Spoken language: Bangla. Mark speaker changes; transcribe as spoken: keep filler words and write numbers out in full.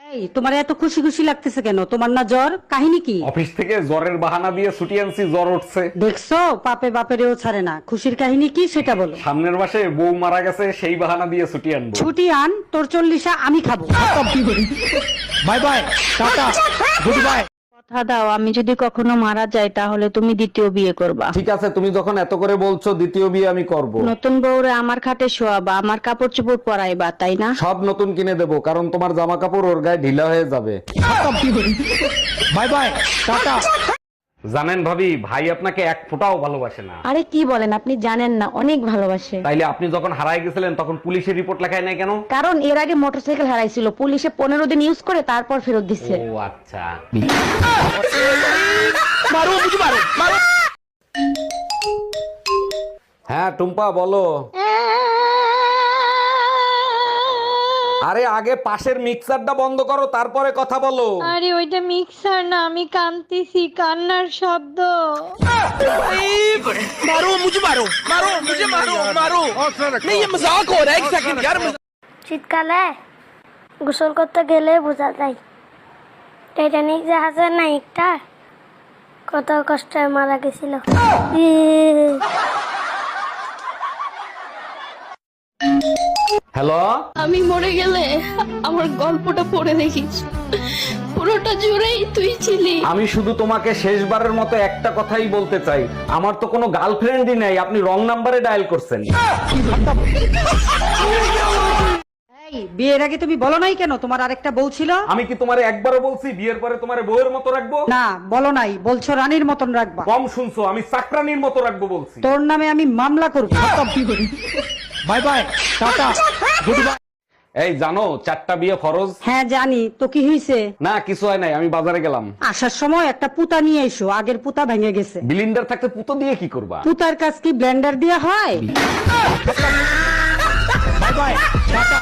Speaker 1: এই তোমার এত খুশি খুশি লাগতেছে কেন? তোমার না জ্বর? কাহিনী কি?
Speaker 2: অফিস থেকে জ্বরের বাহানা দিয়ে ছুটি আনছি, জ্বর উঠছে।
Speaker 1: দেখছো পাপে বাপেরেও ছাড়ে না। খুশির কাহিনী কি সেটা বলো।
Speaker 2: সামনের মাসে বউ মারা গেছে, সেই বাহানা দিয়ে ছুটি আনবো।
Speaker 1: ছুটি আন, তোর চল্লিশা আমি খাবো।
Speaker 2: Bye bye, tata, good bye.
Speaker 3: কথা দাও, আমি যদি কখনো মারা যাই তাহলে তুমি দ্বিতীয় বিয়ে করবা।
Speaker 2: ঠিক আছে, তুমি যখন এত করে বলছো, দ্বিতীয় বিয়ে আমি করব।
Speaker 3: নতুন বউরে আমার খাটে শোয়াবা, আমার কাপড় চোপড় পরাইবা, তাই না?
Speaker 2: সব নতুন কিনে দেবো, কারণ তোমার জামা কাপড় ওর গায়ে ঢিলা হয়ে যাবে। Bye bye, tata. জানেন ভাবি, ভাই আপনাকে এক ফোঁটাও ভালোবাসে না।
Speaker 3: আরে কি বলেন, আপনি জানেন না, অনেক ভালোবাসে।
Speaker 2: তাইলে আপনি যখন হারায় গেছিলেন তখন পুলিশের রিপোর্ট লেখায় নাই কেন?
Speaker 3: কারণ এর আগে মোটরসাইকেল হারাইছিল, পুলিশে পনেরো দিন ইউজ করে তারপর ফেরত দিচ্ছে।
Speaker 2: ও আচ্ছা। হ্যাঁ টুম্পা বলো। আরে আগে পাশের মিক্সারটা বন্ধ করো, তারপরে কথা বলো।
Speaker 4: আরে ওইটা মিক্সার না, আমি কাঁদতেছি, কান্নার শব্দ।
Speaker 5: শীতকালে গোসল করতে গেলে বোঝা যায় টাইটানিক জাহাজের নায়িকটা কত কষ্টে মারা গেছিল।
Speaker 2: হ্যালো,
Speaker 4: আমি মরে গেলে আমার গল্পটা পড়ে দেখিস, পুরোটা জুড়েই তুই ছিলি।
Speaker 2: আমি শুধু তোমাকে শেষবারের মতো একটা কথাই বলতে চাই, আমার তো কোনো গার্লফ্রেন্ডই নাই, আপনি রং নাম্বারে ডায়াল করছেন।
Speaker 1: এই বিয়ের আগে তুমি বলো নাই কেন তোমার আরেকটা বউ ছিল?
Speaker 2: আমি কি তোমারে একবারও বলছি বিয়ের পরে তোমারে বউয়ের মতো রাখবো?
Speaker 1: না বলো নাই, বলছো রানীর মতন রাখবা।
Speaker 2: কম শুনছো, আমি চাকরানির মতো রাখবো বলছি।
Speaker 1: তোর নামে আমি মামলা করবো।
Speaker 2: Bye bye, tata, good bye. এই জানো চারটা বিয়ে ফরজ?
Speaker 1: হ্যাঁ জানি, তো কি হয়েছে?
Speaker 2: না কিছু হয় নাই, আমি বাজারে গেলাম।
Speaker 1: আসার সময় একটা পুতা নিয়ে এসো, আগের পুতা ভেঙে গেছে।
Speaker 2: বিলিন্ডার থাকতে পুতো দিয়ে কি করবা?
Speaker 1: পুতার কাজ কি ব্লেন্ডার দিয়ে হয়?
Speaker 2: Bye bye, tata.